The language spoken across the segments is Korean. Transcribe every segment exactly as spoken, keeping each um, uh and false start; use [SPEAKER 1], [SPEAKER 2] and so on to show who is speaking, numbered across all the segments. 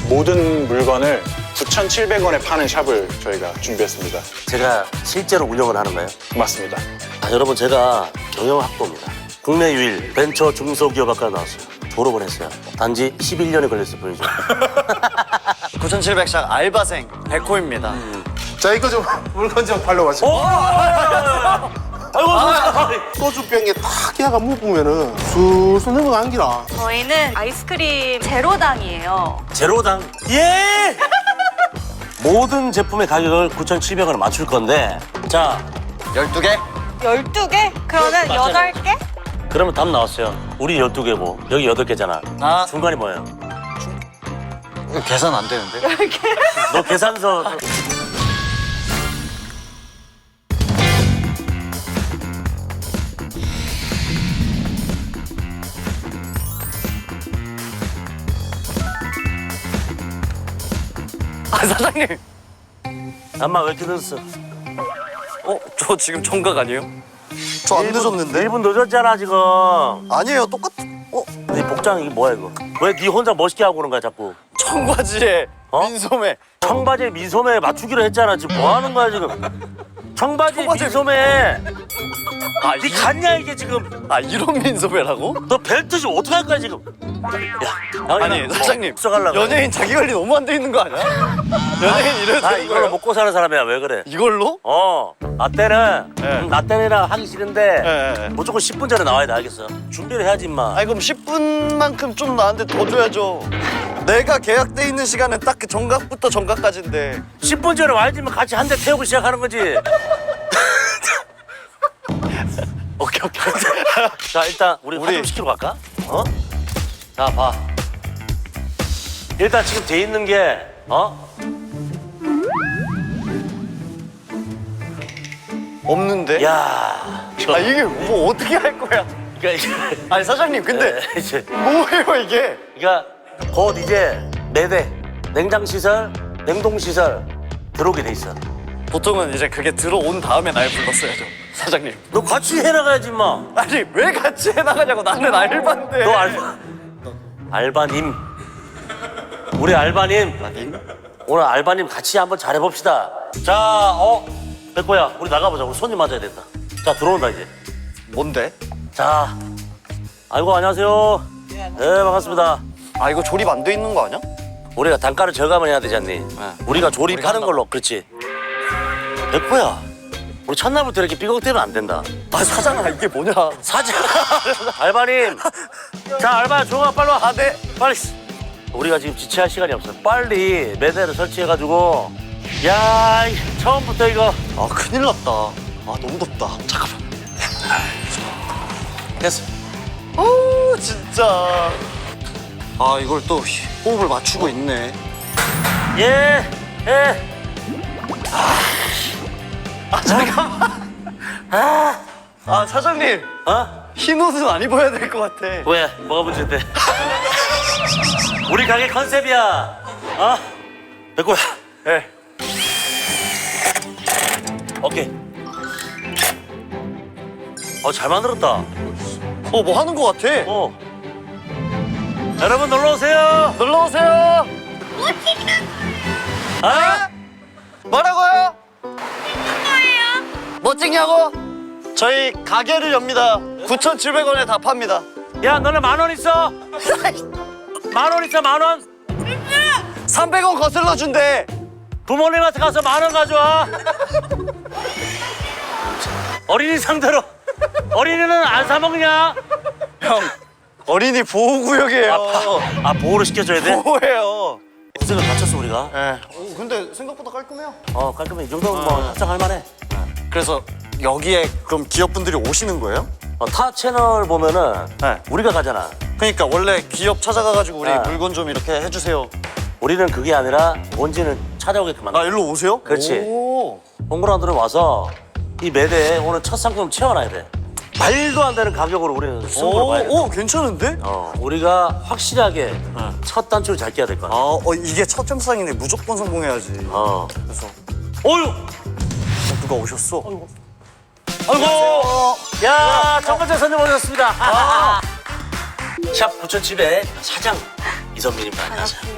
[SPEAKER 1] 모든 물건을 구천칠백 원에 파는 샵을 저희가 준비했습니다.
[SPEAKER 2] 제가 실제로 운영을 하는 거예요?
[SPEAKER 1] 맞습니다.
[SPEAKER 2] 아, 여러분 제가 경영학도입니다. 국내 유일 벤처 중소기업학과 나왔어요. 졸업을 했어요. 단지 십일 년이 걸렸을 뿐이죠.
[SPEAKER 3] 구천칠백 샵 알바생 백호입니다.
[SPEAKER 2] 음.
[SPEAKER 4] 자, 이거 좀 물건 좀 발라보시고.
[SPEAKER 2] 아이고, 아,
[SPEAKER 4] 소주병에 탁 해가 묵으면은 술술 넘어가는 기라.
[SPEAKER 5] 저희는 아이스크림 제로당이에요.
[SPEAKER 2] 제로당. 예! 모든 제품의 가격을 구천칠백 원에 맞출 건데, 자,
[SPEAKER 3] 열두 개?
[SPEAKER 5] 열두 개? 그러면
[SPEAKER 2] 맞아요.
[SPEAKER 5] 여덟 개?
[SPEAKER 2] 그러면 답 나왔어요. 우리 열두 개고 여기 여덟 개잖아.
[SPEAKER 3] 아.
[SPEAKER 2] 중간이 뭐예요?
[SPEAKER 3] 이거 계산 안 되는데?
[SPEAKER 2] 너 계산서.
[SPEAKER 3] 아, 사장님.
[SPEAKER 2] 엄마 왜 이렇게 늦었어?
[SPEAKER 3] 어? 저 지금 청각 아니에요? 저 안 늦었는데?
[SPEAKER 2] 일 분 늦었잖아 지금.
[SPEAKER 3] 아니에요, 똑같... 어?
[SPEAKER 2] 네 복장 이게 뭐야 이거? 왜 네 혼자 멋있게 하고 그런 거야 자꾸?
[SPEAKER 3] 청바지에
[SPEAKER 2] 어?
[SPEAKER 3] 민소매.
[SPEAKER 2] 청바지에 미소매 맞추기로 했잖아. 지금 뭐 하는 거야 지금? 청바지에
[SPEAKER 3] 청바지에
[SPEAKER 2] 미소매.
[SPEAKER 3] 아,
[SPEAKER 2] 네
[SPEAKER 3] 이...
[SPEAKER 2] 갔냐 이게 지금?
[SPEAKER 3] 아, 이런 민소매라고?
[SPEAKER 2] 너 벨트 지금 어떻게 할 거야 지금? 야,
[SPEAKER 3] 아니, 사장님.
[SPEAKER 2] 써가려고.
[SPEAKER 3] 연예인 자기 관리 너무 안 돼 있는 거 아니야? 연예인 이래도
[SPEAKER 2] 나
[SPEAKER 3] 되는
[SPEAKER 2] 이걸로
[SPEAKER 3] 거예요?
[SPEAKER 2] 먹고 사는 사람이야. 왜 그래?
[SPEAKER 3] 이걸로?
[SPEAKER 2] 어, 나 때는
[SPEAKER 3] 네.
[SPEAKER 2] 음, 나 때는 하기 싫은데
[SPEAKER 3] 네, 네.
[SPEAKER 2] 무조건 십 분 전에 나와야 돼. 알겠어? 준비를 해야지 임마.
[SPEAKER 3] 아니, 그럼 십 분만큼 좀 나한테 더 줘야죠. 내가 계약돼 있는 시간은 딱 그 정각부터 정각까지인데.
[SPEAKER 2] 십 분 전에 와야지 면 같이 한 대 태우고 시작하는 거지.
[SPEAKER 3] 오케이, 오케이.
[SPEAKER 2] 자 일단 우리,
[SPEAKER 3] 우리-
[SPEAKER 2] 화좀 시키러 갈까? 어? 자 봐. 일단 지금 돼 있는 게 어?
[SPEAKER 3] 없는데?
[SPEAKER 2] 야.
[SPEAKER 3] 아, 이게 뭐 어떻게 할 거야?
[SPEAKER 2] 그러니까 이게
[SPEAKER 3] 아니, 사장님, 근데
[SPEAKER 2] 네, 이제
[SPEAKER 3] 뭐예요, 이게?
[SPEAKER 2] 그러니까 곧 이제 매대 냉장 시설, 냉동 시설 들어오게 돼 있어.
[SPEAKER 3] 보통은 이제 그게 들어온 다음에 날 불렀어야죠, 사장님.
[SPEAKER 2] 너 같이 해나가야지 임마.
[SPEAKER 3] 아니, 왜 같이 해나가냐고. 나는 알바인데.
[SPEAKER 2] 너 알바 알바님. 우리 알바님.
[SPEAKER 3] 아니?
[SPEAKER 2] 오늘 알바님 같이 한번 잘해봅시다. 자, 어, 백호야, 우리 나가보자. 우리 손님 맞아야 된다. 자, 들어온다 이제.
[SPEAKER 3] 뭔데?
[SPEAKER 2] 자, 아이고 안녕하세요. 네, 반갑습니다.
[SPEAKER 3] 아, 이거 조립 안 돼 있는 거 아니야?
[SPEAKER 2] 우리가 단가를 절감을 해야 되지 않니? 우리가 조립하는
[SPEAKER 3] 한다.
[SPEAKER 2] 걸로, 그렇지. 백호야, 우리 첫날부터 이렇게 삐걱대면 안 된다.
[SPEAKER 3] 아, 사장아, 이게 뭐냐?
[SPEAKER 2] 사장, 알바님. 자, 알바 조용아 빨리 와.
[SPEAKER 3] 아, 네.
[SPEAKER 2] 빨리. 우리가 지금 지체할 시간이 없어. 빨리 매대를 설치해가지고. 야, 이 처음부터 이거.
[SPEAKER 3] 아, 큰일 났다. 아, 너무 덥다. 잠깐만.
[SPEAKER 2] 됐어.
[SPEAKER 3] 어우, 진짜. 아, 이걸 또 호흡을 맞추고 있네.
[SPEAKER 2] 예, 예.
[SPEAKER 3] 아, 잠깐만. 아, 아, 사장님.
[SPEAKER 2] 어?
[SPEAKER 3] 흰 옷은 안 입어야 될 것 같아.
[SPEAKER 2] 왜? 뭐가 문제인데? 우리 가게 컨셉이야. 어? 백호야.
[SPEAKER 3] 네.
[SPEAKER 2] 오케이. 어, 잘 만들었다.
[SPEAKER 3] 어, 뭐 하는 것 같아.
[SPEAKER 2] 어. 여러분 놀러 오세요.
[SPEAKER 3] 놀러 오세요.
[SPEAKER 2] 아?
[SPEAKER 3] 뭐라고요? 뭐 찍냐고? 저희 가게를 엽니다. 구천칠백 원에 다 팝니다.
[SPEAKER 2] 야, 너네 만 원 있어? 만 원 있어, 만 원?
[SPEAKER 3] 삼백 원 거슬러 준대.
[SPEAKER 2] 부모님한테 가서 만 원 가져와. 어린이 상대로. 어린이는 안 사 먹냐?
[SPEAKER 3] 형, 어린이 보호구역이에요.
[SPEAKER 2] 아, 보호를 시켜줘야 돼?
[SPEAKER 3] 보호예요.
[SPEAKER 2] 고생을 다쳤어, 우리가.
[SPEAKER 3] 네. 오, 근데 생각보다 깔끔해요.
[SPEAKER 2] 어, 깔끔해. 이 정도면 뭐 합장할 만해.
[SPEAKER 3] 그래서 여기에 그럼 기업분들이 오시는 거예요?
[SPEAKER 2] 어, 타 채널 보면은
[SPEAKER 3] 네.
[SPEAKER 2] 우리가 가잖아.
[SPEAKER 3] 그러니까 원래 기업 찾아가가지고 우리
[SPEAKER 2] 아.
[SPEAKER 3] 물건 좀 이렇게 해주세요.
[SPEAKER 2] 우리는 그게 아니라 뭔지는 찾아오게끔
[SPEAKER 3] 아,
[SPEAKER 2] 만들어.
[SPEAKER 3] 일로 오세요?
[SPEAKER 2] 그렇지.
[SPEAKER 3] 오.
[SPEAKER 2] 홍보라들은 와서 이 매대에 오늘 첫 상품 채워놔야 돼. 말도 안 되는 가격으로 우리는 승부를 봐야 돼.
[SPEAKER 3] 오, 오, 괜찮은데?
[SPEAKER 2] 어, 우리가 확실하게 첫 단추를 잘 끼야 될 거야.
[SPEAKER 3] 아, 어, 이게 첫 점상이네. 무조건 성공해야지.
[SPEAKER 2] 어.
[SPEAKER 3] 그래서
[SPEAKER 2] 어휴!
[SPEAKER 3] 어, 누가 오셨어?
[SPEAKER 2] 아이고! 야, 첫 번째 손님 오셨습니다.
[SPEAKER 3] 아.
[SPEAKER 2] 샵 구천칠백 사장 이선민입니다. 안녕하세요.
[SPEAKER 5] 반갑습니다.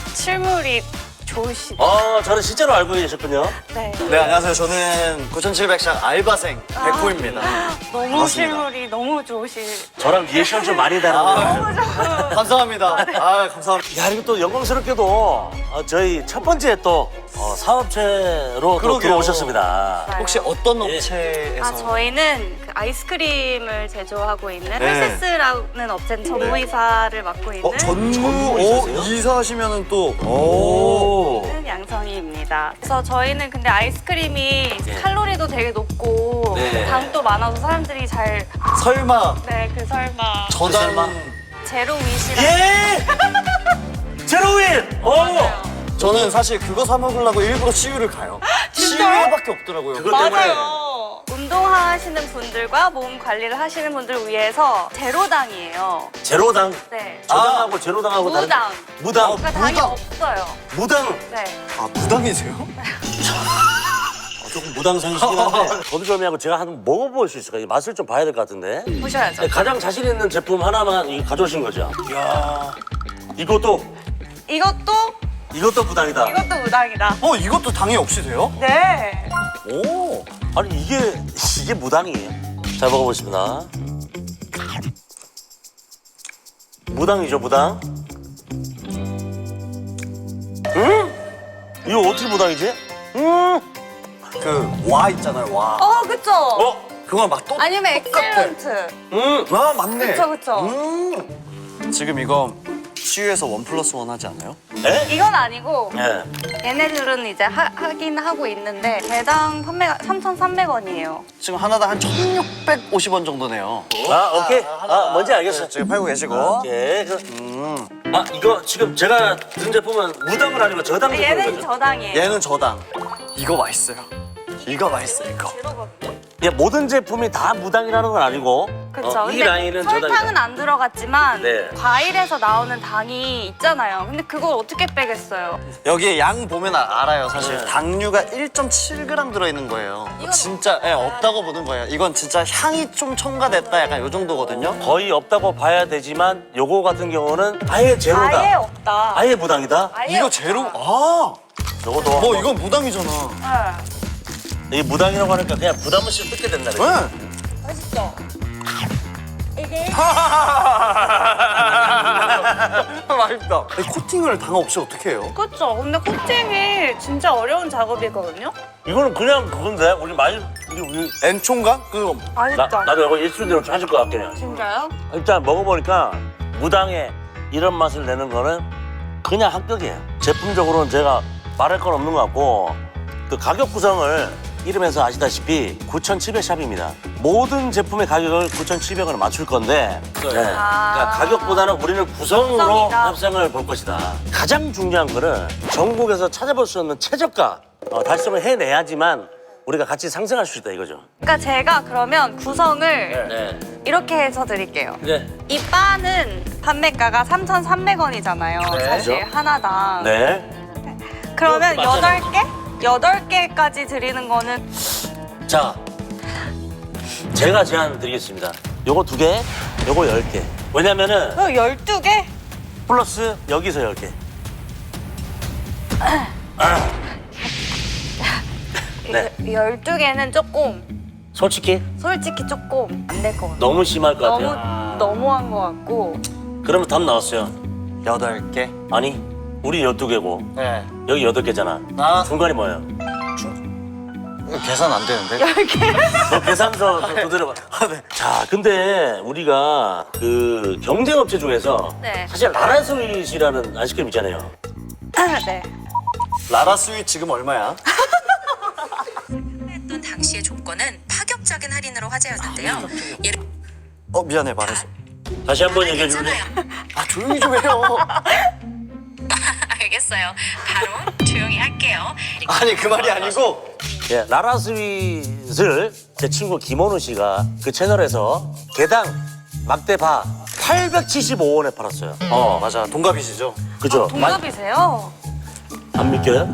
[SPEAKER 5] 실물이 좋으시.
[SPEAKER 2] 어, 저는 실제로 알고 계셨군요.
[SPEAKER 5] 네.
[SPEAKER 3] 네, 안녕하세요. 저는 구천칠백 샷 알바생 백호입니다.
[SPEAKER 5] 너무
[SPEAKER 3] 반갑습니다.
[SPEAKER 5] 실물이 너무 좋으시.
[SPEAKER 2] 저랑 리액션 좀 많이 다르네요.
[SPEAKER 3] 감사합니다. 아, 감사합니다.
[SPEAKER 2] 야, 그리고 또 영광스럽게도 어, 저희 첫 번째 또 어, 사업체로 또
[SPEAKER 3] 그러게요.
[SPEAKER 2] 들어오셨습니다.
[SPEAKER 3] 혹시 어떤
[SPEAKER 2] 예.
[SPEAKER 3] 업체에서?
[SPEAKER 5] 아, 저희는 그 아이스크림을 제조하고 있는
[SPEAKER 3] 네.
[SPEAKER 5] 헬세스라는 업체 전무이사를 맡고 있는
[SPEAKER 3] 어, 전무
[SPEAKER 2] 전무이사세요?
[SPEAKER 3] 오, 이사하시면은 또
[SPEAKER 2] 오.
[SPEAKER 5] 양성희입니다. 그래서 저희는 근데 아이스크림이
[SPEAKER 2] 네.
[SPEAKER 5] 칼로리도 되게 높고
[SPEAKER 2] 네.
[SPEAKER 5] 당도 많아서 사람들이 잘
[SPEAKER 3] 설마
[SPEAKER 5] 네, 그 설마
[SPEAKER 3] 저당
[SPEAKER 2] 설마?
[SPEAKER 5] 제로 윗이라.
[SPEAKER 2] 예! 제로윌! 오!
[SPEAKER 3] 저는 사실 그거 사 먹으려고 일부러 씨유를 가요. 씨유밖에 없더라고요.
[SPEAKER 2] 그것 때문에
[SPEAKER 5] 맞아요. 운동하시는 분들과 몸 관리를 하시는 분들을 위해서 제로당이에요.
[SPEAKER 2] 제로당.
[SPEAKER 5] 네.
[SPEAKER 2] 저당하고 제로당하고 다른
[SPEAKER 5] 무당.
[SPEAKER 2] 무당.
[SPEAKER 5] 그러니까 당이
[SPEAKER 3] 무당.
[SPEAKER 5] 없어요.
[SPEAKER 2] 무당.
[SPEAKER 5] 네.
[SPEAKER 3] 아, 무당이세요?
[SPEAKER 2] 어, 조금 무당상이시긴 한데 거두절미하고 제가 한번 먹어볼 수 있을까요? 맛을 좀 봐야 될 것 같은데.
[SPEAKER 5] 보셔야죠.
[SPEAKER 2] 네, 가장 자신 있는 제품 하나만 이거 가져오신 거죠? 이야. 이것도
[SPEAKER 5] 이것도
[SPEAKER 2] 이것도 무당이다.
[SPEAKER 5] 이것도 무당이다.
[SPEAKER 3] 어, 이것도 당이 없이 돼요?
[SPEAKER 5] 네.
[SPEAKER 2] 오. 아니 이게 이게 무당이에요. 잘 먹어보겠습니다. 무당이죠, 무당. 음? 이거 어떻게 무당이지? 음.
[SPEAKER 3] 그 와 있잖아요, 와.
[SPEAKER 5] 어, 그쵸?
[SPEAKER 2] 어?
[SPEAKER 3] 그건 막 또.
[SPEAKER 5] 아니면 엑셀런트.
[SPEAKER 2] 음.
[SPEAKER 3] 아, 맞네.
[SPEAKER 5] 그쵸, 그쵸.
[SPEAKER 3] 음. 지금 이거 씨유에서 원 플러스 원 하지 않아요?
[SPEAKER 2] 에?
[SPEAKER 5] 이건 아니고
[SPEAKER 2] 예.
[SPEAKER 5] 얘네들은 이제 하, 하긴 하고 있는데 개당 판매가 삼천삼백 원이에요.
[SPEAKER 3] 지금 하나당 한 천육백오십 원 정도네요.
[SPEAKER 2] 아, 오케이. 아, 뭔지 알겠어.
[SPEAKER 3] 지금 팔고 계시고.
[SPEAKER 2] 오케이. 그-
[SPEAKER 3] 음.
[SPEAKER 2] 아, 이거 지금 제가 든 제품은 무당은 아니고 저당 제품인
[SPEAKER 5] 얘는
[SPEAKER 2] 거죠?
[SPEAKER 5] 저당이에요.
[SPEAKER 3] 얘는 저당. 이거 맛있어요. 이거 맛있어요, 이거.
[SPEAKER 2] 예, 모든 제품이 다 무당이라는 건 아니고
[SPEAKER 5] 그쵸.
[SPEAKER 2] 어, 이
[SPEAKER 5] 근데
[SPEAKER 2] 라인은
[SPEAKER 5] 설탕은
[SPEAKER 2] 저당이다.
[SPEAKER 5] 안 들어갔지만
[SPEAKER 2] 네.
[SPEAKER 5] 과일에서 나오는 당이 있잖아요. 근데 그걸 어떻게 빼겠어요?
[SPEAKER 3] 여기 양 보면 아- 알아요, 사실.
[SPEAKER 2] 네.
[SPEAKER 3] 당류가 일 점 칠 그램 들어있는 거예요.
[SPEAKER 5] 이건
[SPEAKER 3] 진짜 예, 없다고 보는 거예요. 이건 진짜 향이 좀 첨가됐다, 약간 요 정도거든요.
[SPEAKER 2] 거의 없다고 봐야 되지만 요거 같은 경우는 아예 제로다.
[SPEAKER 5] 아예 없다.
[SPEAKER 2] 아예 무당이다.
[SPEAKER 5] 아예
[SPEAKER 3] 이거
[SPEAKER 5] 없다.
[SPEAKER 3] 제로, 아!
[SPEAKER 2] 요것도
[SPEAKER 3] 뭐 이건 무당이잖아.
[SPEAKER 5] 네.
[SPEAKER 2] 이 무당이라고 하니까 그냥 부담 없이 뜯게 된다. 그래.
[SPEAKER 3] 네.
[SPEAKER 5] 맛있죠? 이게
[SPEAKER 3] 맛있다. 이 코팅을 당 없이 어떻게 해요?
[SPEAKER 5] 그쵸. 근데 코팅이 진짜 어려운 작업이거든요.
[SPEAKER 2] 이거는 그냥 그건데 우리 많이 우리 우리
[SPEAKER 3] 엔초인가? 그
[SPEAKER 2] 나,
[SPEAKER 5] 맛있다.
[SPEAKER 2] 나도 이거 일순대로 찾을 것 같긴 해.
[SPEAKER 5] 진짜요?
[SPEAKER 2] 일단 먹어보니까 무당의 이런 맛을 내는 거는 그냥 합격이에요. 제품적으로는 제가 말할 건 없는 것 같고 그 가격 구성을 이름에서 아시다시피 구천칠백 샵입니다. 모든 제품의 가격을 구천칠백 원에 맞출 건데 네. 그러니까 가격보다는 우리는 구성으로
[SPEAKER 5] 구성이다.
[SPEAKER 2] 협상을 볼 것이다. 가장 중요한 거는 전국에서 찾아볼 수 없는 최저가 어, 달성을 해내야지만 우리가 같이 상승할 수 있다 이거죠.
[SPEAKER 5] 그러니까 제가 그러면 구성을
[SPEAKER 2] 네.
[SPEAKER 5] 이렇게 해서 드릴게요.
[SPEAKER 2] 네.
[SPEAKER 5] 이 바는 판매가가 삼천삼백 원이잖아요.
[SPEAKER 2] 네.
[SPEAKER 5] 사실 하나당.
[SPEAKER 2] 네.
[SPEAKER 5] 그러면
[SPEAKER 2] 그거 맞잖아요.
[SPEAKER 5] 여덟 개? 여덟 개까지 드리는 거는
[SPEAKER 2] 자, 제가 제안 드리겠습니다. 요거 두 개, 요거 열 개. 왜냐면은
[SPEAKER 5] 그럼 열두 개?
[SPEAKER 2] 플러스 여기서 열 개. 네.
[SPEAKER 5] 열두 개는 조금
[SPEAKER 2] 솔직히
[SPEAKER 5] 솔직히 조금 안 될 것 같아요.
[SPEAKER 2] 너무 심할 것
[SPEAKER 5] 너무
[SPEAKER 2] 같아요.
[SPEAKER 5] 너무한 것 같고.
[SPEAKER 2] 그러면 답 나왔어요.
[SPEAKER 3] 여덟 개.
[SPEAKER 2] 아니, 우리 열두 개고
[SPEAKER 3] 네.
[SPEAKER 2] 여기 여덟 개잖아.
[SPEAKER 3] 아,
[SPEAKER 2] 중간이 뭐예요?
[SPEAKER 3] 계산 안 되는데.
[SPEAKER 5] 열 개?
[SPEAKER 2] 너 계산서 두드려봐.
[SPEAKER 3] 아, 네.
[SPEAKER 2] 자, 근데 우리가 그 경쟁업체 중에서
[SPEAKER 5] 네.
[SPEAKER 2] 사실 라라스윗이라는 아이스크림 있잖아요.
[SPEAKER 5] 네.
[SPEAKER 3] 라라 스윗 지금 얼마야?
[SPEAKER 6] 했던 당시의 조건은 파격적인 할인으로 화제였는데요. 예를
[SPEAKER 3] 어, 미안해, 말해서.
[SPEAKER 2] 다시 한번 얘기해 줄래?
[SPEAKER 3] 아, 조용히 좀 해요.
[SPEAKER 6] 알겠어요. 바로 조용히 할게요.
[SPEAKER 3] 아니, 그 말이 아니고.
[SPEAKER 2] 예, 라라스윗을 제 친구 김원우 씨가 그 채널에서 개당 막대바 팔백칠십오 원에 팔았어요.
[SPEAKER 3] 어, 맞아. 동갑이시죠?
[SPEAKER 2] 그죠?
[SPEAKER 5] 동갑이세요?
[SPEAKER 2] 안 믿겨요?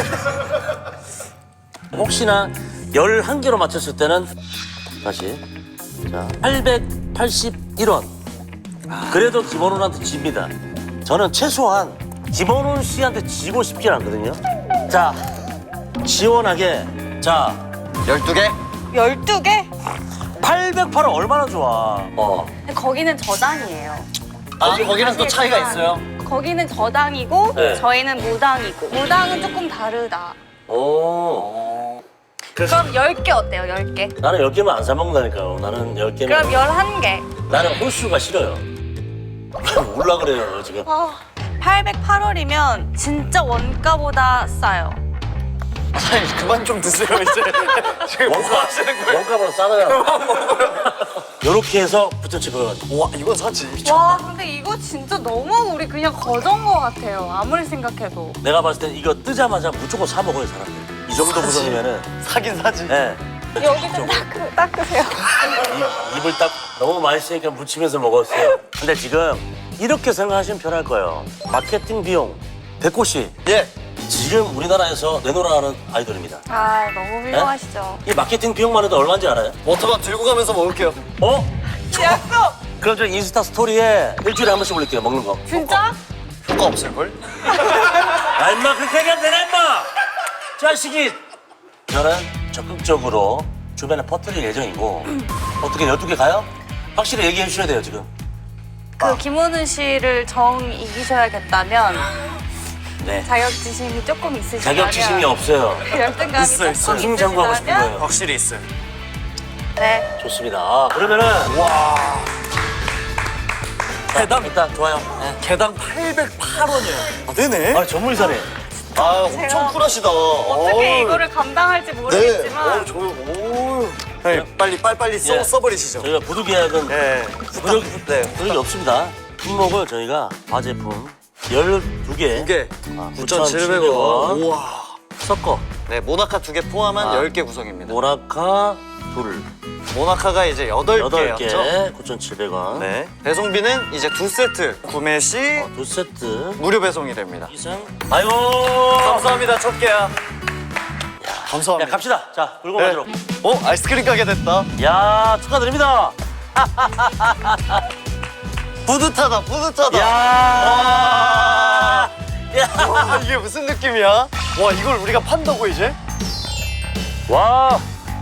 [SPEAKER 2] 혹시나 열한 개로 맞췄을 때는 다시 자 팔백팔십일 원. 그래도 김원우한테 집니다. 저는 최소한 김원훈 씨한테 지고 싶진 않거든요. 자, 시원하게. 자,
[SPEAKER 3] 열두 개?
[SPEAKER 5] 열두 개?
[SPEAKER 2] 팔백팔은 얼마나 좋아. 어.
[SPEAKER 5] 거기는 저당이에요.
[SPEAKER 3] 아, 거기랑 또 차이가 있어요?
[SPEAKER 5] 거기는 저당이고
[SPEAKER 2] 네.
[SPEAKER 5] 저희는 무당이고 무당은 조금 다르다.
[SPEAKER 2] 오.
[SPEAKER 5] 그럼 열 개 어때요? 열 개?
[SPEAKER 2] 나는 열 개만 안 사 먹는다니까요. 나는 열 개면.
[SPEAKER 5] 그럼 열한 개.
[SPEAKER 2] 나는 홀수가 싫어요. 몰라 그래요 지금.
[SPEAKER 5] 어, 팔백팔 원이면 진짜 원가보다 싸요.
[SPEAKER 3] 아니, 그만 좀 드세요, 이제. 지금 뭐
[SPEAKER 2] 원가
[SPEAKER 3] 하시는 거예요?
[SPEAKER 2] 원가보다 싸다요. 요렇게 해서 부처집을.
[SPEAKER 3] 와, 이건 사지.
[SPEAKER 5] 와 근데 이거 진짜 너무 우리 그냥 거저인 것 같아요. 아무리 생각해도.
[SPEAKER 2] 내가 봤을 땐 이거 뜨자마자 무조건 사 먹어요 사람들. 이 정도 구성이면은.
[SPEAKER 3] 사긴 사지.
[SPEAKER 2] 예.
[SPEAKER 5] 여기 좀 닦으, 닦으세요.
[SPEAKER 2] 입, 입을 딱 너무 맛있으니까 묻히면서 먹었어요. 근데 지금 이렇게 생각하시면 편할 거예요. 마케팅 비용. 백호 씨.
[SPEAKER 3] 예.
[SPEAKER 2] 지금 우리나라에서 내놓으라는 아이돌입니다.
[SPEAKER 5] 아 너무 훌륭하시죠.
[SPEAKER 2] 이 마케팅 비용만 해도 얼마인지 알아요?
[SPEAKER 3] 워터밤 들고 가면서 먹을게요.
[SPEAKER 2] 어?
[SPEAKER 5] 약속!
[SPEAKER 2] 그럼 저 인스타 스토리에 일주일에 한 번씩 올릴게요, 먹는 거.
[SPEAKER 5] 진짜?
[SPEAKER 3] 효과 없을걸?
[SPEAKER 2] 야, 임마, 그렇게 얘기하면 되나, 임마! 자식이! 저는 적극적으로 주변에 퍼뜨릴 예정이고, 어떻게 열두 개 가요? 확실히 얘기해 주셔야 돼요, 지금.
[SPEAKER 5] 그 김원훈 씨를 정 이기셔야겠다면
[SPEAKER 2] 네.
[SPEAKER 5] 자격지심이 조금 있으시다면
[SPEAKER 2] 자격지심이 없어요.
[SPEAKER 5] 열등감이
[SPEAKER 3] 있어요,
[SPEAKER 5] 조금
[SPEAKER 3] 있어요.
[SPEAKER 2] 승승장구하고 싶은
[SPEAKER 5] 있으시다면
[SPEAKER 2] 거예요.
[SPEAKER 3] 확실히 있어요.
[SPEAKER 5] 네.
[SPEAKER 2] 좋습니다. 아, 그러면은, 와.
[SPEAKER 3] 개당,
[SPEAKER 2] 일단 좋아요. 네.
[SPEAKER 3] 개당 팔백팔 원이에요. 아, 네네.
[SPEAKER 2] 아, 전문의사네.
[SPEAKER 3] 아, 엄청
[SPEAKER 5] 제가
[SPEAKER 3] 쿨하시다.
[SPEAKER 5] 어떻게 이거를 감당할지 모르겠지만
[SPEAKER 3] 네. 어, 저, 오. 네, 빨리, 빨리빨리 써,
[SPEAKER 2] 예.
[SPEAKER 3] 써버리시죠.
[SPEAKER 2] 저희가 구두 계약은
[SPEAKER 3] 네.
[SPEAKER 2] 그런,
[SPEAKER 3] 네.
[SPEAKER 2] 그런 게 없습니다. 품목을 저희가 과제품 열두 개.
[SPEAKER 3] 두 개.
[SPEAKER 2] 아,
[SPEAKER 3] 구천칠백 원. 우와.
[SPEAKER 2] 섞어.
[SPEAKER 3] 네, 모나카 두 개 포함한
[SPEAKER 2] 아.
[SPEAKER 3] 열 개 구성입니다.
[SPEAKER 2] 모나카 둘.
[SPEAKER 3] 모나카가 이제 여덟
[SPEAKER 2] 여덟
[SPEAKER 3] 개였죠.
[SPEAKER 2] 개 구천칠백 원.
[SPEAKER 3] 네. 배송비는 이제 두 세트 구매 시
[SPEAKER 2] 어, 두 세트
[SPEAKER 3] 무료 배송이 됩니다.
[SPEAKER 2] 이상. 아이고.
[SPEAKER 3] 감사합니다, 첫 개야.
[SPEAKER 2] 야,
[SPEAKER 3] 감사합니다.
[SPEAKER 2] 갑시다. 자, 물건
[SPEAKER 3] 네.
[SPEAKER 2] 가지러.
[SPEAKER 3] 어, 아이스크림 가게 됐다.
[SPEAKER 2] 야, 축하드립니다.
[SPEAKER 3] 뿌듯하다, 뿌듯하다.
[SPEAKER 2] 야. 야.
[SPEAKER 3] 와, 이게 무슨 느낌이야? 와, 이걸 우리가 판다고 이제?
[SPEAKER 2] 와.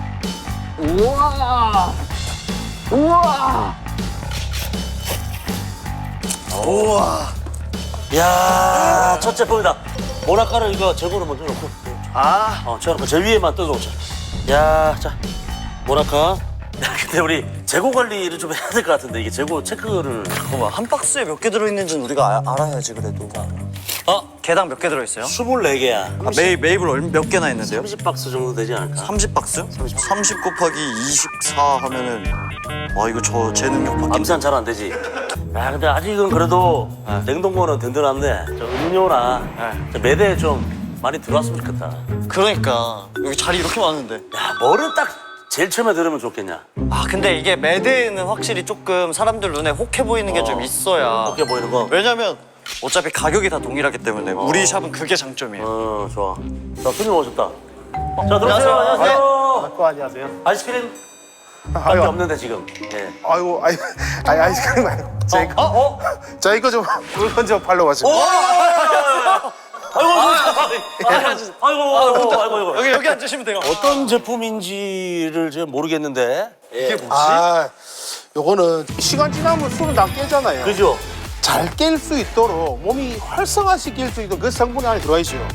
[SPEAKER 3] 우와.
[SPEAKER 2] 야, 첫 제품이다. 모나카를 이거 재고로 먼저 놓고.
[SPEAKER 3] 아,
[SPEAKER 2] 어, 저놓고 제 위에만 뜯어오자. 야, 자, 모나카. 야, 근데 우리 재고 관리를 좀 해야 될 것 같은데 이게 재고 체크를.
[SPEAKER 3] 잠깐만. 한 박스에 몇 개 들어있는지는 우리가 아- 알아야지 그래도.
[SPEAKER 2] 어,
[SPEAKER 3] 개당 몇 개 들어있어요?
[SPEAKER 2] 스물네 개야.
[SPEAKER 3] 아, 메이, 메이블 얼- 몇 개나 있는데요?
[SPEAKER 2] 삼십 박스 정도 되지 않을까?
[SPEAKER 3] 삼십 박스? 삼십 곱하기 이십사 하면은 와, 이거 저 제 능력밖에
[SPEAKER 2] 암산 잘 안 되지. 야, 근데 아직은 그래도 냉동고는 든든한데 저 음료나
[SPEAKER 3] 네.
[SPEAKER 2] 저 매대에 좀 많이 들어왔으면 좋겠다.
[SPEAKER 3] 그러니까 여기 자리 이렇게 많은데.
[SPEAKER 2] 야, 뭐를 딱 제일 처음에 들으면 좋겠냐?
[SPEAKER 3] 아, 근데 이게 매대에는 확실히 조금 사람들 눈에 혹해 보이는 게 좀
[SPEAKER 2] 어.
[SPEAKER 3] 있어야.
[SPEAKER 2] 어떻게 보이는 거?
[SPEAKER 3] 왜냐면 어차피 가격이 다 동일하기 때문에 우리 샵은 그게 장점이에요.
[SPEAKER 2] 어, 좋아. 자, 손님 오셨다. 자, 들어오세요.
[SPEAKER 3] 안녕하세요.
[SPEAKER 2] 안녕하세요.
[SPEAKER 4] 또 안녕하세요.
[SPEAKER 2] 아이스크림 밖에
[SPEAKER 4] 아유,
[SPEAKER 2] 없는데 지금. 예.
[SPEAKER 4] 아이고, 아이, 아이, 아이스크림 말고. 저 이거,
[SPEAKER 2] 어? 어?
[SPEAKER 4] 저 이거 좀 물건 좀 팔러 가지고.
[SPEAKER 2] 아이고, 아이고, 아이고, 아이고, 아이고.
[SPEAKER 3] 여기 여기 앉으시면 돼요.
[SPEAKER 2] 어떤 제품인지를 제가 모르겠는데.
[SPEAKER 3] 이게 뭐지?
[SPEAKER 4] 아, 요거는 시간 지나면 술은 다 깨잖아요.
[SPEAKER 2] 그죠?
[SPEAKER 4] 잘 깰 수 있도록 몸이 활성화시킬 수 있도록 그 성분이 안에 들어가 있어요.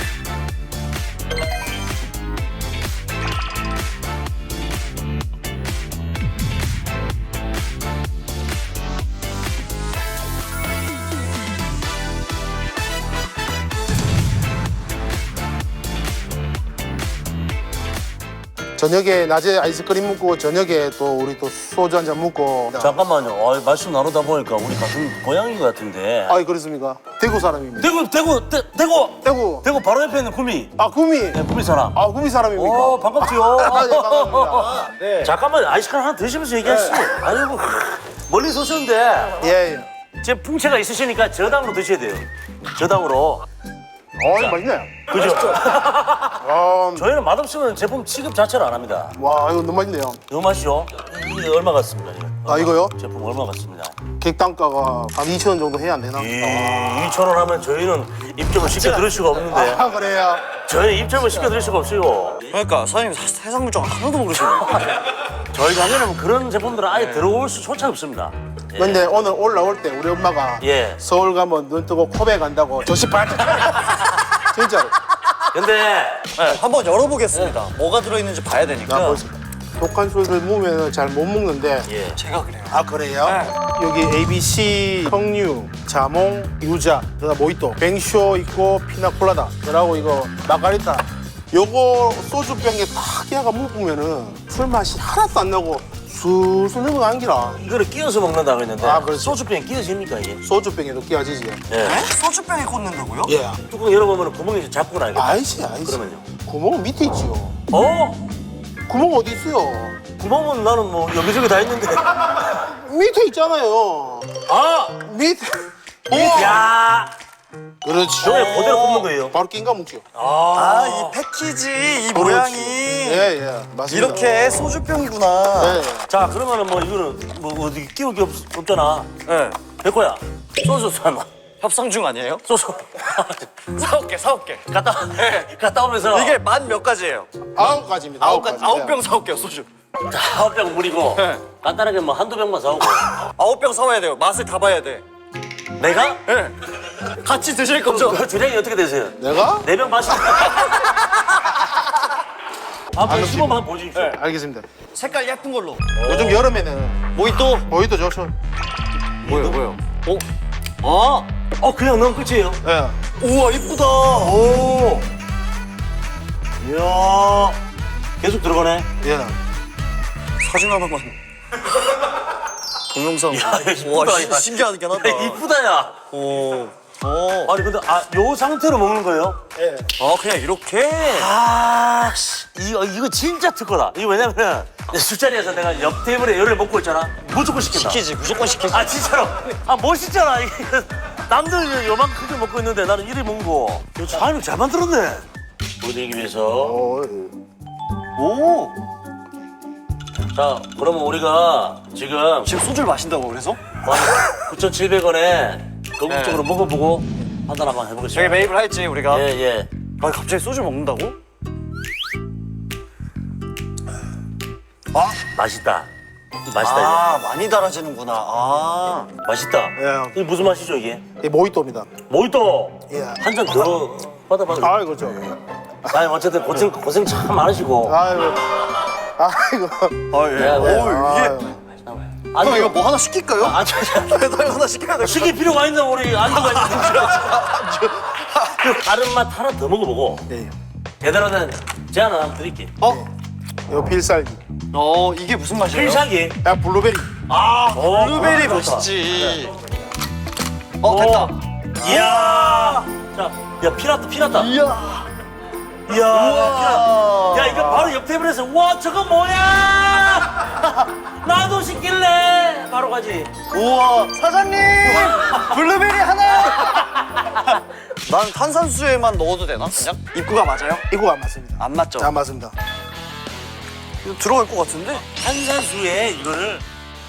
[SPEAKER 4] 저녁에 낮에 아이스크림 먹고 저녁에 또 우리 또 소주 한 잔 먹고.
[SPEAKER 2] 잠깐만요. 어, 말씀 나누다 보니까 우리 같은 고향인 것 같은데.
[SPEAKER 4] 아이 그렇습니까? 대구 사람입니다.
[SPEAKER 2] 대구, 대구, 대, 대구,
[SPEAKER 4] 대구.
[SPEAKER 2] 대구 바로 옆에 있는 구미.
[SPEAKER 4] 아 구미.
[SPEAKER 2] 네, 구미 사람.
[SPEAKER 4] 아 구미 사람입니까?
[SPEAKER 2] 오, 반갑지요.
[SPEAKER 4] 아, 네, 반갑습니다. 네.
[SPEAKER 2] 잠깐만 아이스크림 하나 드시면서 얘기하시죠. 아이고 멀리서 오셨는데
[SPEAKER 4] 예, 예.
[SPEAKER 2] 제 풍채가 있으시니까 저당으로 드셔야 돼요. 저당으로.
[SPEAKER 4] 어, 이거 맛있네.
[SPEAKER 2] 그죠?
[SPEAKER 4] 아,
[SPEAKER 2] 저희는 맛없으면 제품 취급 자체를 안 합니다.
[SPEAKER 4] 와, 이거 너무 맛있네요.
[SPEAKER 2] 이거 맛이죠? 이게 얼마 같습니다. 이거.
[SPEAKER 4] 아, 이거요?
[SPEAKER 2] 제품 얼마 같습니다.
[SPEAKER 4] 객단가가 한 이천 원 정도 해야 안 되나?
[SPEAKER 2] 이천 원 하면 저희는 입점을 쉽게 들을 수가 없는데.
[SPEAKER 4] 아 그래요?
[SPEAKER 2] 저희는 입점을 쉽게 들을 수가 없어요.
[SPEAKER 3] 그러니까 사장님 사- 해산물종 하나도 모르시네.
[SPEAKER 2] 저희 가게는 그런 제품들은 아예 들어올 수조차 없습니다. 예.
[SPEAKER 4] 근데 오늘 올라올 때 우리 엄마가
[SPEAKER 2] 예.
[SPEAKER 4] 서울 가면 눈 뜨고 코베 간다고 조시 발짝 진짜로.
[SPEAKER 2] 근데
[SPEAKER 3] 네, 한번 열어보겠습니다. 뭐가 들어있는지 봐야 되니까.
[SPEAKER 4] 나 벌써 독한 술을 먹으면 잘 못 먹는데.
[SPEAKER 2] 예.
[SPEAKER 3] 제가 그래요.
[SPEAKER 4] 아 그래요? 여기 에이비씨, 석류, 자몽, 유자, 그다음 모히또, 뱅쇼 있고 피나콜라다, 그리고 이거 마가리타. 요거 소주병에 딱 깨가 먹으면은 술 맛이 하나도 안 나고 술술 넘어간기라.
[SPEAKER 2] 이거를 끼워서 먹는다고 했는데
[SPEAKER 4] 아, 그렇지.
[SPEAKER 2] 소주병에 끼워집니까 이게?
[SPEAKER 4] 소주병에도 끼워지지.
[SPEAKER 2] 예.
[SPEAKER 3] 소주병에 꽂는다고요?
[SPEAKER 4] 예.
[SPEAKER 2] 뚜껑 열어보면 구멍이 잡고 나겠다.
[SPEAKER 4] 아이씨 아이씨.
[SPEAKER 2] 그러면요?
[SPEAKER 4] 구멍은 밑에 있지요.
[SPEAKER 2] 어?
[SPEAKER 4] 구멍 어디 있어요?
[SPEAKER 2] 구멍은 나는 뭐 여기저기 다 있는데.
[SPEAKER 4] 밑에 있잖아요.
[SPEAKER 2] 아!
[SPEAKER 4] 밑에.
[SPEAKER 2] 야!
[SPEAKER 4] 그렇지.
[SPEAKER 2] 저게 그대로 굽는 거예요.
[SPEAKER 4] 바로 낀가 묵죠.
[SPEAKER 3] 아, 이 패키지, 이 모양이.
[SPEAKER 4] 예, 예. 맞습니다.
[SPEAKER 3] 이렇게 소주병이구나.
[SPEAKER 4] 네.
[SPEAKER 2] 자, 그러면은 뭐 이거는 뭐 어디 끼울 게 없, 없잖아.
[SPEAKER 3] 네.
[SPEAKER 2] 백호야, 소주 사나?
[SPEAKER 3] 협상 중 아니에요?
[SPEAKER 2] 소주.
[SPEAKER 3] 사올게, 사올게.
[SPEAKER 2] 갔다, 갔다 오면서.
[SPEAKER 3] 이게 만 몇 가지예요?
[SPEAKER 4] 아홉 가지입니다.
[SPEAKER 3] 아홉 가지,
[SPEAKER 4] 가지.
[SPEAKER 3] 아홉 병 사올게요, 소주.
[SPEAKER 2] 자, 아홉 병 무리고.
[SPEAKER 3] 네.
[SPEAKER 2] 간단하게 뭐 한두 병만 사오고.
[SPEAKER 3] 아홉 병 사와야 돼요. 맛을 다 봐야 돼.
[SPEAKER 2] 내가?
[SPEAKER 3] 네. 같이 드실 거죠?
[SPEAKER 2] 그 주량이 어떻게 되세요?
[SPEAKER 4] 내가?
[SPEAKER 2] 네 병 마시. 한번 시범 한번 보여주십시오.
[SPEAKER 3] 네.
[SPEAKER 4] 알겠습니다.
[SPEAKER 3] 색깔 예쁜 걸로.
[SPEAKER 4] 요즘 여름에는
[SPEAKER 3] 모히또.
[SPEAKER 4] 모히또 좋죠.
[SPEAKER 3] 뭐예요, 뭐예요?
[SPEAKER 2] 어? 어? 어, 그냥 넣으면 끝이에요.
[SPEAKER 4] 예.
[SPEAKER 3] 우와, 이쁘다.
[SPEAKER 2] 오. 이야. 계속 들어가네.
[SPEAKER 4] 예.
[SPEAKER 3] 사진 하나만. 동영상.
[SPEAKER 2] 야, 이거 이쁘다,
[SPEAKER 3] 와,
[SPEAKER 2] 야.
[SPEAKER 3] 시- 신기하긴 하다.
[SPEAKER 2] 야, 이쁘다, 야.
[SPEAKER 3] 오. 오.
[SPEAKER 2] 아니, 근데, 아, 요 상태로 먹는 거예요?
[SPEAKER 4] 예.
[SPEAKER 3] 아, 그냥 이렇게?
[SPEAKER 2] 아, 씨. 이거, 이거 진짜 특허다. 이거 왜냐면, 술자리에서 내가 옆 테이블에 열을 먹고 있잖아. 무조건 시킨다.
[SPEAKER 3] 시키지, 무조건 시키지.
[SPEAKER 2] 아, 진짜로. 아, 멋있잖아. 이게 남들 요만큼 크게 먹고 있는데 나는 이리 먹고. 이거 사장님 잘 만들었네. 보내기 위해서.
[SPEAKER 4] 어,
[SPEAKER 2] 오. 자, 그러면 우리가 지금
[SPEAKER 3] 지금 소주를 마신다고 그래서?
[SPEAKER 2] 구천칠백 원에 건국적으로 먹어보고 판단 한번
[SPEAKER 3] 저기
[SPEAKER 2] 해보겠습니다.
[SPEAKER 3] 매입을 할지 우리가.
[SPEAKER 2] 예, 예.
[SPEAKER 3] 아, 갑자기 소주 먹는다고?
[SPEAKER 2] 맛있다. 맛있다,
[SPEAKER 3] 아, 많이 달아지는구나. 아.
[SPEAKER 2] 이거. 맛있다.
[SPEAKER 4] 예.
[SPEAKER 2] 이게 무슨 맛이죠, 이게?
[SPEAKER 4] 이 모히또입니다.
[SPEAKER 2] 모히또.
[SPEAKER 4] 예.
[SPEAKER 2] 한 잔 더 받아봐요.
[SPEAKER 4] 아, 그렇죠.
[SPEAKER 2] 아니, 어쨌든 고생, 고생 참 많으시고.
[SPEAKER 4] 아이고. 아이고.
[SPEAKER 3] 아, 예.
[SPEAKER 2] 네,
[SPEAKER 3] 오,
[SPEAKER 2] 네.
[SPEAKER 3] 이게.
[SPEAKER 2] 아니,
[SPEAKER 3] 형, 이거 뭐 하나 시킬까요?
[SPEAKER 2] 아, 저, 저,
[SPEAKER 3] 배달 하나 시켜야 돼.
[SPEAKER 2] 시킬 필요가 있나, 우리 안주가 있는데. 그 다른 맛 하나 더 먹어보고.
[SPEAKER 4] 예.
[SPEAKER 2] 대단하는 제안 하나 드릴게.
[SPEAKER 3] 어?
[SPEAKER 4] 요 필살기.
[SPEAKER 3] 어, 이게 무슨 맛이에요?
[SPEAKER 2] 필살기.
[SPEAKER 4] 야, 블루베리.
[SPEAKER 2] 아,
[SPEAKER 3] 블루베리
[SPEAKER 2] 좋다.
[SPEAKER 3] 맛있지. 어, 됐다.
[SPEAKER 2] 이야. 자, 야, 피났다, 피났다.
[SPEAKER 3] 이야.
[SPEAKER 2] 이야,
[SPEAKER 3] 우와.
[SPEAKER 2] 야, 이거 바로 옆 테이블에서 와, 저거 뭐야? 나도 시킬래. 바로 가지.
[SPEAKER 3] 우와, 사장님! 블루베리 하나! 난 탄산수에만 넣어도 되나? 그냥? 입구가 맞아요?
[SPEAKER 4] 이거 안 맞습니다.
[SPEAKER 3] 안 맞죠?
[SPEAKER 4] 안 맞습니다.
[SPEAKER 3] 이거 들어갈 것 같은데?
[SPEAKER 2] 탄산수에 이거를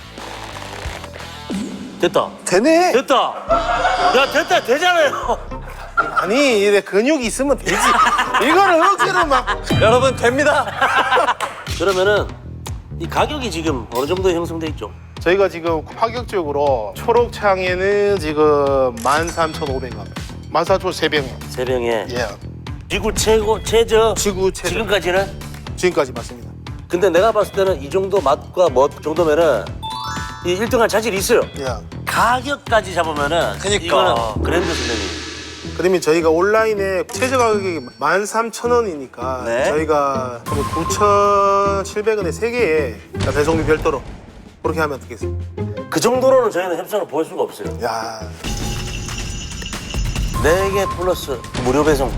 [SPEAKER 2] 됐다.
[SPEAKER 3] 되네!
[SPEAKER 2] 됐다. 야, 됐다. 되잖아요.
[SPEAKER 4] 아니, 이래 근육이 있으면 되지. 이거를 억지로 막.
[SPEAKER 3] 여러분, 됩니다!
[SPEAKER 2] 그러면은 이 가격이 지금 어느 정도 형성돼 있죠?
[SPEAKER 4] 저희가 지금 파격적으로 초록창에는 지금 만 삼천오백 원. 만 사천오백 원.
[SPEAKER 2] 세 병에
[SPEAKER 4] 예.
[SPEAKER 2] 지구 최고 최저
[SPEAKER 4] 지구 최저.
[SPEAKER 2] 지금까지는.
[SPEAKER 4] 지금까지 맞습니다.
[SPEAKER 2] 근데 내가 봤을 때는 이 정도 맛과 뭐 정도면은 이 일 등할 자질이 있어요.
[SPEAKER 4] 예.
[SPEAKER 2] 가격까지 잡으면은
[SPEAKER 3] 그니까.
[SPEAKER 2] 이거는 그랜드 선생님.
[SPEAKER 4] 그러면 저희가 온라인에 최저 가격이 만 삼천 원이니까
[SPEAKER 3] 네.
[SPEAKER 4] 저희가 구천칠백 원에 세 개에 배송비 별도로 그렇게 하면 어떻겠습니까?
[SPEAKER 2] 그 정도로는 저희는 협상을 보일 수가 없어요.
[SPEAKER 4] 야,
[SPEAKER 2] 네 개 플러스 무료 배송.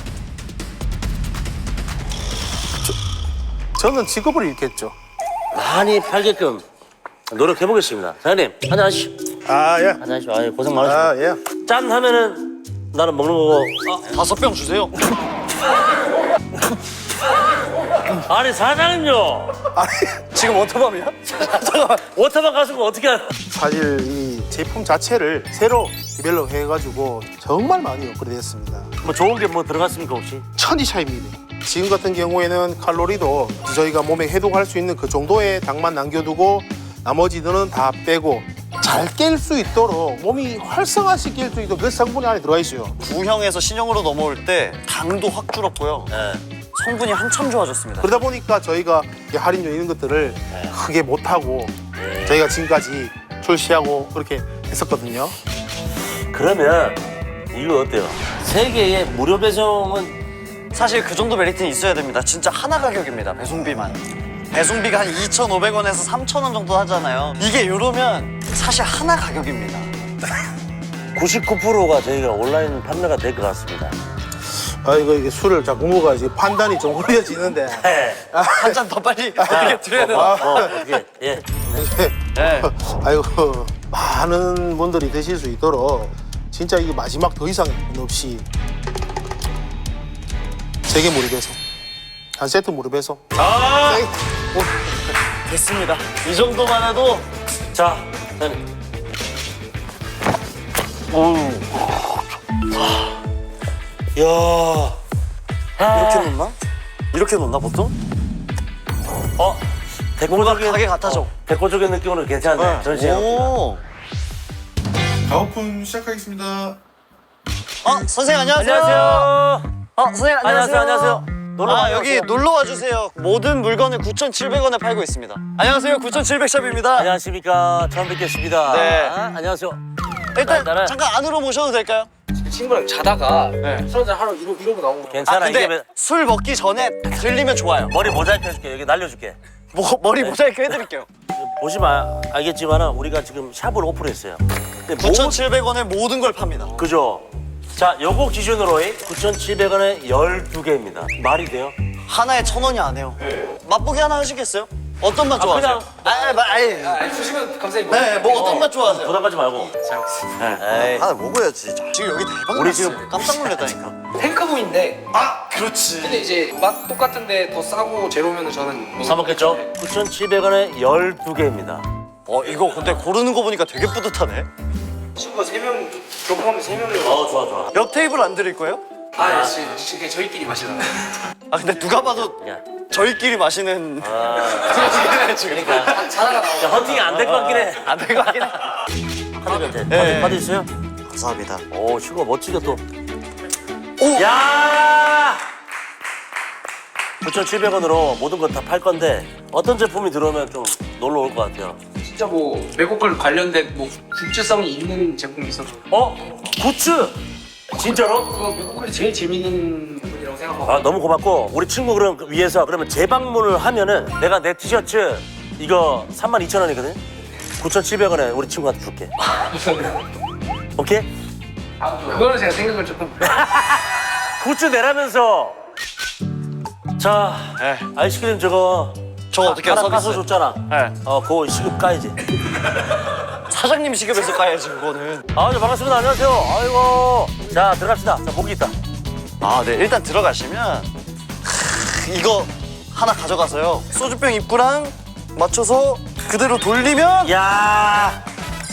[SPEAKER 4] 저는 직업을 잃겠죠.
[SPEAKER 2] 많이 팔게끔 노력해 보겠습니다. 사장님 한잔 하시죠.
[SPEAKER 4] 아, 예.
[SPEAKER 2] 한잔 하시죠. 아유, 고생 많으시고.
[SPEAKER 4] 아, 예.
[SPEAKER 2] 짠 하면은 나는 먹는 거고.
[SPEAKER 3] 다섯 병 주세요.
[SPEAKER 2] 아니 사장님요.
[SPEAKER 3] 지금 워터밤이야?
[SPEAKER 2] 잠깐만. 워터밤 가수고 어떻게 알아?
[SPEAKER 4] 사실 이 제품 자체를 새로 디벨롭 해가지고 정말 많이 업그레이드 했습니다.
[SPEAKER 2] 뭐 좋은 게 뭐 들어갔습니까 혹시?
[SPEAKER 4] 천지 차이입니다. 지금 같은 경우에는 칼로리도 저희가 몸에 해독할 수 있는 그 정도의 당만 남겨두고 나머지들은 다 빼고 잘 깰 수 있도록 몸이 활성화시킬 수 있도록 그 성분이 안에 들어가 있어요.
[SPEAKER 3] 구형에서 신형으로 넘어올 때 당도 확 줄었고요.
[SPEAKER 2] 네.
[SPEAKER 3] 성분이 한참 좋아졌습니다.
[SPEAKER 4] 그러다 보니까 저희가 이 할인료 이런 것들을 크게 못하고 저희가 지금까지 출시하고 그렇게 했었거든요.
[SPEAKER 2] 그러면 이거 어때요? 세 개의 무료 배송은
[SPEAKER 3] 사실 그 정도 메리트는 있어야 됩니다. 진짜 하나 가격입니다. 배송비만. 배송비가 한 이천오백 원에서 삼천 원 정도 하잖아요. 이게 이러면 사실 하나 가격입니다.
[SPEAKER 2] 구십구 퍼센트가 저희가 온라인 판매가 될 것 같습니다.
[SPEAKER 4] 아 이거 이게 술을 자꾸 먹어야지 판단이 좀 흐려지는데.
[SPEAKER 2] 네.
[SPEAKER 3] 한 잔 더 빨리 어떻게 드려야 되나?
[SPEAKER 2] 어, 어, 어떻게? 예.
[SPEAKER 3] 네.
[SPEAKER 4] 아이고 많은 분들이 드실 수 있도록 진짜 이게 마지막 더 이상 없이 세 개 무료 배송, 한 세트 무료 배송.
[SPEAKER 2] 아!
[SPEAKER 3] 됐습니다. 이 정도만 해도
[SPEAKER 2] 자, 네. 어우. 야.
[SPEAKER 3] 이렇게 놓나? 이렇게 놓나 보통?
[SPEAKER 2] 어? 대표적인
[SPEAKER 3] 가게 같아져.
[SPEAKER 2] 대표적인 느낌으로 괜찮네. 전시회.
[SPEAKER 3] 오.
[SPEAKER 7] 가오픈 시작하겠습니다.
[SPEAKER 3] 어, 선생님 안녕하세요.
[SPEAKER 2] 안녕하세요.
[SPEAKER 3] 어, 선생님
[SPEAKER 2] 안녕하세요.
[SPEAKER 3] 안녕하세요.
[SPEAKER 2] 안녕하세요. 놀러
[SPEAKER 3] 아,
[SPEAKER 2] 가세요.
[SPEAKER 3] 여기 놀러 와 주세요. 모든 물건을 구천칠백 원에 팔고 있습니다. 안녕하세요. 구천칠백 샵입니다.
[SPEAKER 2] 안녕하십니까. 처음 뵙겠습니다.
[SPEAKER 3] 네.
[SPEAKER 2] 아, 안녕하세요.
[SPEAKER 3] 일단
[SPEAKER 2] 나는-
[SPEAKER 3] 잠깐 안으로 모셔도 될까요?
[SPEAKER 8] 친구랑 자다가
[SPEAKER 3] 네.
[SPEAKER 8] 술 한잔 하러 이러, 이러고 나온 거.
[SPEAKER 2] 괜찮아.
[SPEAKER 3] 아, 근데
[SPEAKER 2] 이게
[SPEAKER 3] 술 먹기 전에 들리면 좋아요.
[SPEAKER 2] 머리 모자이크 해줄게. 여기 날려줄게.
[SPEAKER 3] 뭐, 머리 모자이크 해드릴게요.
[SPEAKER 2] 보시면 알겠지만 우리가 지금 샵을 오픈했어요. 근데 모-
[SPEAKER 3] 구천칠백 원에 모든 걸 팝니다.
[SPEAKER 2] 그죠? 자, 요거 기준으로 구천칠백 원에 열두 개입니다. 말이 돼요?
[SPEAKER 3] 하나에 천 원이 안 해요. 맛보기 하나 하시겠어요? 어떤 맛 좋아하세요?
[SPEAKER 2] 그냥-
[SPEAKER 3] 아, 마, 아이.
[SPEAKER 8] 아, 주시면 감사히 먹
[SPEAKER 3] 네, 뭐 어떤 맛 좋아하세요?
[SPEAKER 2] 부담 갖지 말고.
[SPEAKER 8] 잘 먹겠습니다.
[SPEAKER 2] 에이.
[SPEAKER 3] 하나 먹어야지. 지금 여기 대박
[SPEAKER 2] 우리
[SPEAKER 3] 났어요.
[SPEAKER 2] 지금-
[SPEAKER 3] 깜짝 놀랐다니까.
[SPEAKER 8] 탱크부인데
[SPEAKER 3] 아, 그렇지.
[SPEAKER 8] 근데 이제 맛 똑같은데 더 싸고 제로면 저는 못
[SPEAKER 2] 사 먹겠죠? 구천칠백 원에 열두 개입니다.
[SPEAKER 3] 어, 이거 근데 고르는 거 보니까 되게 뿌듯하네.
[SPEAKER 8] 친구가 세 명, 저 포함해 세 명이
[SPEAKER 2] 어, 좋아, 좋아.
[SPEAKER 3] 옆 테이블 안 드릴 거예요?
[SPEAKER 8] 아, 지- 지- 그냥 저희끼리 마시잖아.
[SPEAKER 3] 아, 근데 누가 봐도
[SPEAKER 2] 야,
[SPEAKER 3] 저희끼리 마시는
[SPEAKER 2] 그러니까.
[SPEAKER 8] 자다가 나오고.
[SPEAKER 2] 야, 헌팅이 안 될 것 같긴 해.
[SPEAKER 3] 안 될 것 같긴 해.
[SPEAKER 2] 카드 변태.
[SPEAKER 3] 네.
[SPEAKER 2] 카드, 카드 있어요?
[SPEAKER 3] 감사합니다.
[SPEAKER 2] 오, 친구가 멋지게 또.
[SPEAKER 3] 오!
[SPEAKER 2] 야! 구천칠백 원으로 모든 거 다 팔 건데 어떤 제품이 들어오면 좀 놀러 올 것 같아요.
[SPEAKER 8] 진짜 뭐 외국 걸 관련된 뭐 굿즈성이 있는 제품이 있어서
[SPEAKER 2] 어? 굿즈! 진짜로?
[SPEAKER 8] 그거 외국 걸이 제일 재밌는 부분이라고 생각하고.
[SPEAKER 2] 아, 너무 고맙고 우리 친구 그럼 위해서 그러면 재방문을 하면은 내가 내 티셔츠 이거 삼만 이천 원이거든? 구천칠백 원에 우리 친구한테 줄게. 오케이?
[SPEAKER 8] 아, 그거는 제가 생각을 조금.
[SPEAKER 2] 굿즈 내라면서. 자,
[SPEAKER 3] 네.
[SPEAKER 2] 아이스크림 저거
[SPEAKER 3] 저거 어떻게
[SPEAKER 2] 하나
[SPEAKER 3] 서비스?
[SPEAKER 2] 까서 줬잖아.
[SPEAKER 3] 네.
[SPEAKER 2] 어, 그거 시급 까야지.
[SPEAKER 3] 사장님 시급에서 가야지, 그거는.
[SPEAKER 2] 아, 네, 반갑습니다. 안녕하세요. 아이고. 자, 들어갑시다. 자, 목이 있다.
[SPEAKER 3] 아, 네. 일단 들어가시면 크, 이거 하나 가져가서요. 소주병 입구랑 맞춰서 그대로 돌리면
[SPEAKER 2] 야.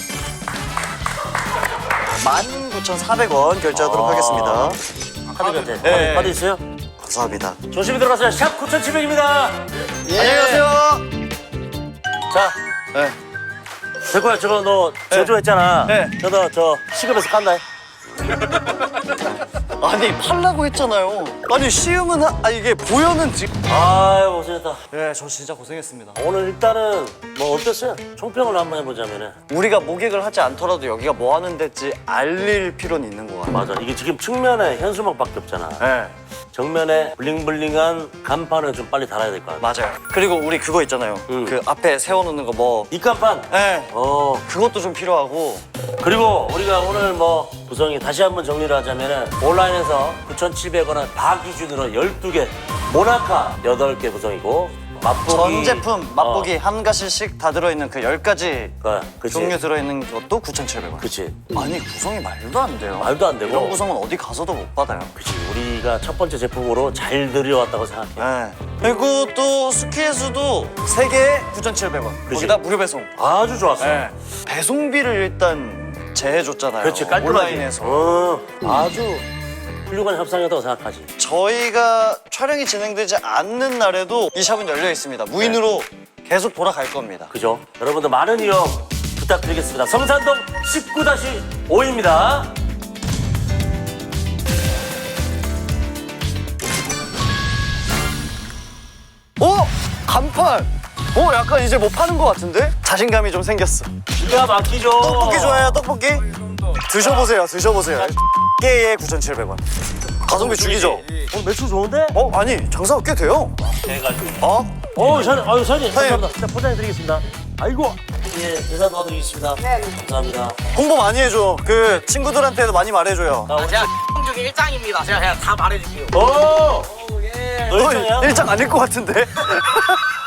[SPEAKER 3] 만 구천사백 원 결제하도록
[SPEAKER 2] 아.
[SPEAKER 3] 하겠습니다.
[SPEAKER 2] 카드 변태. 카드,
[SPEAKER 3] 네.
[SPEAKER 2] 카드 있어요?
[SPEAKER 3] 감사합니다.
[SPEAKER 2] 조심히 들어가세요. 샵 구천칠백입니다.
[SPEAKER 3] 예. 안녕히 가세요.
[SPEAKER 2] 자,
[SPEAKER 3] 네.
[SPEAKER 2] 대구야, 저거 너 제조했잖아.
[SPEAKER 3] 네.
[SPEAKER 2] 저거 저 시급에서 깐다.
[SPEAKER 3] 아니, 팔라고 했잖아요. 아니, 시음은 하... 아, 이게 보여는 지금.
[SPEAKER 2] 아유, 고생했다.
[SPEAKER 3] 네, 저 진짜 고생했습니다.
[SPEAKER 2] 오늘 일단은 뭐 어땠어요? 총평을 한번 해보자면은.
[SPEAKER 3] 우리가 모객을 하지 않더라도 여기가 뭐 하는 데지 알릴 필요는 있는 것 같아요.
[SPEAKER 2] 맞아. 이게 지금 측면에 현수막밖에 없잖아.
[SPEAKER 3] 네,
[SPEAKER 2] 정면에 블링블링한 간판을 좀 빨리 달아야 될 것 같아.
[SPEAKER 3] 맞아요. 그리고 우리 그거 있잖아요.
[SPEAKER 2] 음.
[SPEAKER 3] 그 앞에 세워놓는 거 뭐.
[SPEAKER 2] 이 간판.
[SPEAKER 3] 네,
[SPEAKER 2] 어.
[SPEAKER 3] 그것도 좀 필요하고.
[SPEAKER 2] 그리고 우리가 오늘 뭐 구성이 다시 한번 정리를 하자면은 온라인에서 구천칠백 원은 다 기준으로 열두 개, 모나카 여덟 개 구성이고 맛보기.
[SPEAKER 3] 전 제품 맛보기 한 가지씩 다 들어있는 그 열 가지
[SPEAKER 2] 어, 그치.
[SPEAKER 3] 종류 들어있는 것도 구천칠백 원.
[SPEAKER 2] 그치.
[SPEAKER 3] 아니 구성이 말도 안 돼요.
[SPEAKER 2] 말도 안 되고.
[SPEAKER 3] 이런 구성은 어디 가서도 못 받아요.
[SPEAKER 2] 그치. 우리가 첫 번째 제품으로 잘 들여왔다고 생각해.
[SPEAKER 3] 네. 그리고 또 스키에서도 세 개에 구천칠백 원.
[SPEAKER 2] 그치.
[SPEAKER 3] 거기다 무료 배송.
[SPEAKER 2] 아주 좋았어.
[SPEAKER 3] 네. 배송비를 일단 제해줬잖아요.
[SPEAKER 2] 그렇지, 깔끔하게.
[SPEAKER 3] 온라인에서.
[SPEAKER 2] 어, 아주 훌륭한 협상이었다고 생각하지.
[SPEAKER 3] 저희가 촬영이 진행되지 않는 날에도 이 샵은 열려 있습니다. 무인으로 계속 돌아갈 겁니다.
[SPEAKER 2] 그죠? 여러분들 많은 이용 부탁드리겠습니다. 성산동 십구 다시 오입니다.
[SPEAKER 3] 오! 간판! 오, 약간 이제 뭐 파는 것 같은데? 자신감이 좀 생겼어.
[SPEAKER 2] 기가 막히죠?
[SPEAKER 3] 떡볶이 좋아해요, 떡볶이? 드셔보세요, 드셔보세요. 개에 구천칠백 원. 가성비 죽이죠?
[SPEAKER 2] 오늘 매출 좋은데?
[SPEAKER 3] 어, 아니, 장사가 꽤 돼요.
[SPEAKER 2] 해가지고.
[SPEAKER 3] 어?
[SPEAKER 2] 어, 사장님, 아유, 사장님.
[SPEAKER 3] 사장님.
[SPEAKER 2] 감사합니다. 일단 포장해드리겠습니다. 아이고. 예, 계산 도와드리겠습니다. 네. 감사합니다.
[SPEAKER 3] 홍보 많이 해줘. 그 친구들한테도 많이 말해줘요.
[SPEAKER 2] 아,
[SPEAKER 7] 제가 중에 일장입니다. 제가 그냥 다 말해줄게요.
[SPEAKER 2] 오! 너
[SPEAKER 3] 너
[SPEAKER 2] 일정이야?
[SPEAKER 3] 일장 아닐 것 같은데?